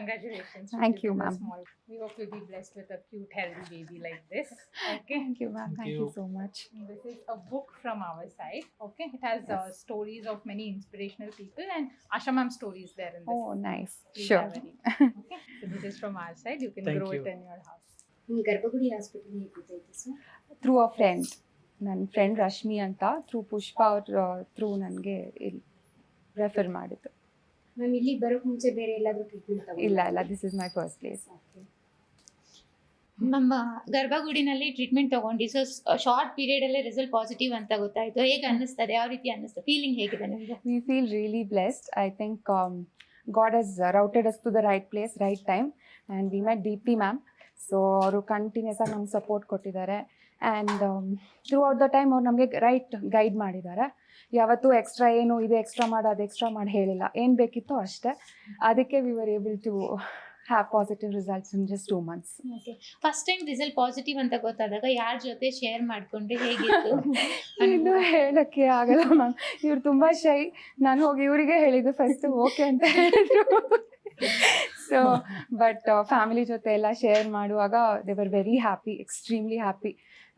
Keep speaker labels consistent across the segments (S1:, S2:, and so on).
S1: Congratulations. to
S2: Thank you,
S1: and a
S2: ma'am.
S1: Small. We hope you'll be blessed with a cute, healthy baby like this. Okay.
S2: Thank you, ma'am. Thank you so much.
S1: This is a book from our side. Okay. It has
S2: Yes.
S1: stories of many inspirational people and Asha ma'am stories there in this.
S2: Oh, nice.
S1: Please
S2: Sure.
S1: have a read. Okay. So this is from our side. You can
S3: Thank
S1: grow
S3: you.
S1: it in your house.
S4: ನಿಮ್ಮ ಗರ್ಭಗುಡಿ hospital ಹೇಗೆ ಗೊತ್ತಾಯ್ತು sir?
S2: Through a friend, ನನ್ನ friend Rashmi ಅಂತ through ಪುಷ್ಪ ಅವ್ರ through ನನಗೆ ಇಲ್ಲಿ refer ಮಾಡಿದ್ದು.
S4: ಮ್ಯಾಮ್ ಇಲ್ಲಿಗೆ ಬರೋಕ್ಕೆ ಮುಂಚೆ ಬೇರೆ ಎಲ್ಲಾದರೂ ಟ್ರೀಟ್ಮೆಂಟ್
S2: ಇಲ್ಲ, this is my first place.
S5: ನಮ್ಮ ಗರ್ಭಗುಡಿನಲ್ಲಿ ಟ್ರೀಟ್ಮೆಂಟ್ ತಗೊಂಡು ಸೊ ಶಾರ್ಟ್ ಪೀರಿಯಡ್ ಅಲ್ಲೇ ರಿಸಲ್ಟ್ ಪಾಸಿಟಿವ್ ಅಂತ ಗೊತ್ತಾಯ್ತು. ಹೇಗೆ ಅನ್ನಿಸ್ತದೆ, ಯಾವ ರೀತಿ ಅನ್ನಿಸ್ತದೆ, ಫೀಲಿಂಗ್ ಹೇಗಿದೆ ನಿಮಗೆ?
S2: We feel really blessed. I think God has routed us to the right place, right time, and we met Deepti ma'am. So ಅವರು ಕಂಟಿನ್ಯೂಸ್ ಆಗಿ ನಮ್ಗೆ ಸಪೋರ್ಟ್ ಕೊಟ್ಟಿದ್ದಾರೆ and throughout the time ಅವ್ರು ನಮಗೆ ರೈಟ್ ಗೈಡ್ ಮಾಡಿದ್ದಾರೆ. ಯಾವತ್ತೂ extra ಏನು ಇದು ಎಕ್ಸ್ಟ್ರಾ ಮಾಡಿ ಅದು ಎಕ್ಸ್ಟ್ರಾ ಮಾಡಿ ಹೇಳಿಲ್ಲ, ಏನು ಬೇಕಿತ್ತೋ ಅಷ್ಟೇ. ಅದಕ್ಕೆ we were able to have positive results in just 2 months.
S5: Okay, first time result positive ಅಂತ ಗೊತ್ತಾದಾಗ ಯಾರ ಜೊತೆ ಶೇರ್ ಮಾಡಿಕೊಂಡ್ರೆ ಹೇಗಿತ್ತು?
S2: ಇನ್ನು ಹೇಳಕ್ಕೆ ಆಗಲ್ಲ ಮ್ಯಾಮ್, ಇವ್ರು ತುಂಬ ಶೈ. ನಾನು ಹೋಗಿ ಇವರಿಗೆ ಹೇಳಿದ್ದು ಫಸ್ಟ್ ಓಕೆ ಅಂತ ಹೇಳಿದ್ರು. ಸೊ ಬಟ್ ಫ್ಯಾಮಿಲಿ ಜೊತೆ ಎಲ್ಲ ಶೇರ್ ಮಾಡುವಾಗ they were very happy, extremely happy.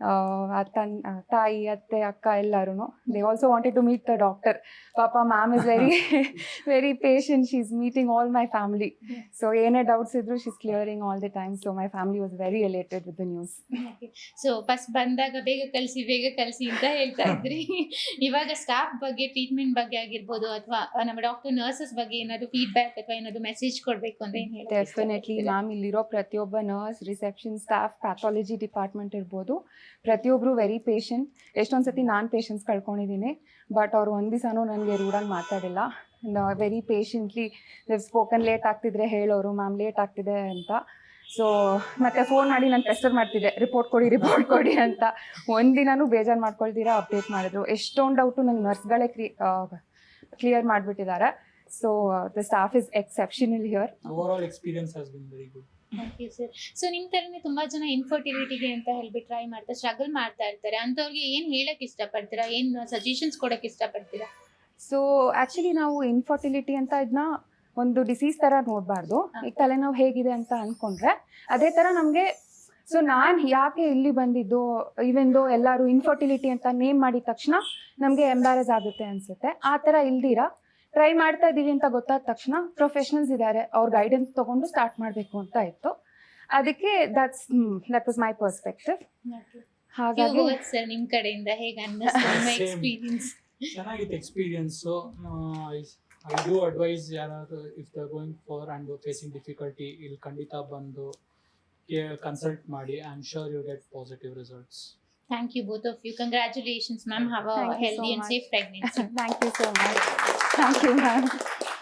S2: ತಾಯಿ, ಅತ್ತೆ, ಅಕ್ಕ ಎಲ್ಲರೂ they also wanted to meet the doctor. ಪಾಪ ma'am is very patient. She is meeting all my family. So ಏನೇ ಡೌಟ್ಸ್ ಇದ್ರು she is clearing all the time. So my family was very elated with the news.
S5: So first ಬಂದಾಗ ಬೇಗ ಕಳಿಸಿ ಅಂತ ಹೇಳ್ತಾ ಇದ್ರಿ. ಇವಾಗ ಸ್ಟಾಫ್ ಬಗ್ಗೆ, ಟ್ರೀಟ್ಮೆಂಟ್ ಬಗ್ಗೆ ಆಗಿರ್ಬೋದು, ಅಥವಾ ನಮ್ಮ ಡಾಕ್ಟರ್ ನರ್ಸಸ್ ಬಗ್ಗೆ ಏನಾದ್ರು ಫೀಡ್ಬ್ಯಾಕ್ ಅಥವಾ ಏನಾದ್ರು ಮೆಸೇಜ್ ಕೊಡಬೇಕು ಅಂತ ಏನು ಹೇಳಿ?
S2: ಡೆಫಿನೆಟ್ಲಿ ಮ್ಯಾಮ್, ಇಲ್ಲಿರೋ ಪ್ರತಿಯೊಬ್ಬ nurse, reception staff, pathology department ಇರ್ಬೋದು, ಪ್ರತಿಯೊಬ್ಬರು ವೆರಿ ಪೇಷಂಟ್. ಎಷ್ಟೊಂದು ಸತಿ ನಾನು ಪೇಷನ್ಸ್ ಕಳ್ಕೊಂಡಿದ್ದೀನಿ, ಬಟ್ ಅವ್ರು ಒಂದು ದಿವಸನೂ ನನಗೆ ರೂಡಾಗಿ ಮಾತಾಡಿಲ್ಲ. Very patiently spoken. ಲೇಟ್ ಆಗ್ತಿದ್ರೆ ಹೇಳೋರು, ಮ್ಯಾಮ್ ಲೇಟ್ ಆಗ್ತಿದೆ ಅಂತ. ಸೊ ಮತ್ತೆ ಫೋನ್ ಮಾಡಿ ನಾನು ಪ್ರೆಸ್ಟರ್ ಮಾಡ್ತಿದ್ದೆ, ರಿಪೋರ್ಟ್ ಕೊಡಿ ಅಂತ. ಒಂದಿನೂ ಬೇಜಾರು ಮಾಡ್ಕೊಳ್ತೀರಾ ಅಪ್ಡೇಟ್ ಮಾಡಿದ್ರು. ಎಷ್ಟೊಂದು ಡೌಟು ನಂಗೆ ನರ್ಸ್ಗಳೇ ಕ್ಲಿಯರ್ ಮಾಡಿಬಿಟ್ಟಿದ್ದಾರೆ. So the staff is exceptional here.
S3: Overall experience has been very good.
S5: Thank you sir. So ನಿಮ್ಮ ಥರನೇ ತುಂಬಾ ಜನ ಇನ್ಫರ್ಟಿಲಿಟಿಗೆ ಅಂತ ಹೇಳ್ಬಿಟ್ಟು ಟ್ರೈ ಮಾಡ್ತಾರೆ, ಸ್ಟ್ರಗಲ್ ಮಾಡ್ತಾ ಇರ್ತಾರೆ. ಅಂಥವ್ರಿಗೆ ಏನು ಹೇಳಕ್ ಇಷ್ಟಪಡ್ತೀರಾ, ಏನು ಸಜೆಷನ್ಸ್ ಕೊಡಕ್ಕೆ ಇಷ್ಟಪಡ್ತೀರಾ?
S2: ಸೊ ಆ್ಯಕ್ಚುಲಿ ನಾವು ಇನ್ಫರ್ಟಿಲಿಟಿ ಅಂತ ಇದನ್ನ ಒಂದು ಡಿಸೀಸ್ ಥರ ನೋಡಬಾರ್ದು. ಈಗ ತಲೆನೋವು ಹೇಗಿದೆ ಅಂತ ಅಂದ್ಕೊಂಡ್ರೆ ಅದೇ ಥರ ನಮಗೆ. ಸೊ ನಾನು ಯಾಕೆ ಇಲ್ಲಿ ಬಂದಿದ್ದು, ಈವನ್ ದೋ ಎಲ್ಲರೂ ಇನ್ಫರ್ಟಿಲಿಟಿ ಅಂತ ನೇಮ್ ಮಾಡಿದ ತಕ್ಷಣ ನಮಗೆ ಎಂಬ್ಯಾರಸ್ ಆಗುತ್ತೆ ಅನಿಸುತ್ತೆ. ಆ ಥರ ಇಲ್ದಿರ ಟ್ರೈ ಮಾಡ್ತಾ ಇದ್ದೀವಿ ಅಂತ ಗೊತ್ತಾದ ತಕ್ಷಣ ಪ್ರೊಫೆಷನಲ್ಸ್ ಇದ್ದಾರೆ, ಅವ್ರ ಗೈಡೆನ್ಸ್ ತೊಗೊಂಡು ಸ್ಟಾರ್ಟ್ ಮಾಡಬೇಕು ಅಂತ ಇತ್ತು. ಅದಕ್ಕೆ ದಟ್ ವಾಸ್ ಮೈ ಪರ್ಸ್ಪೆಕ್ಟಿವ್. ಹಾಗಾಗಿ
S5: ಸರ್ ನಿಮ್ಮ ಕಡೆಯಿಂದ ಹೇಗೆ ಅನ್ನಿಸ್ತು ನಿಮ್ಮ
S3: Same.
S5: ಎಕ್ಸ್ಪೀರಿಯನ್ಸ್?
S3: ಚೆನ್ನಾಗಿತ್ತು ಎಕ್ಸ್ಪೀರಿಯನ್ಸು. ಐ ಡೂ ಅಡ್ವೈಸ್ ಯಾರಾದರೂ if they going for and facing difficulty, ಇಲ್ಲಿ ಖಂಡಿತ ಬಂದು ಕನ್ಸಲ್ಟ್ ಮಾಡಿ. I am sure you get positive results.
S5: Thank you both of you. Congratulations, ma'am. Have a
S2: Thank you so
S5: healthy and
S2: much.
S5: safe pregnancy.
S2: Thank you so much. Thank you, ma'am.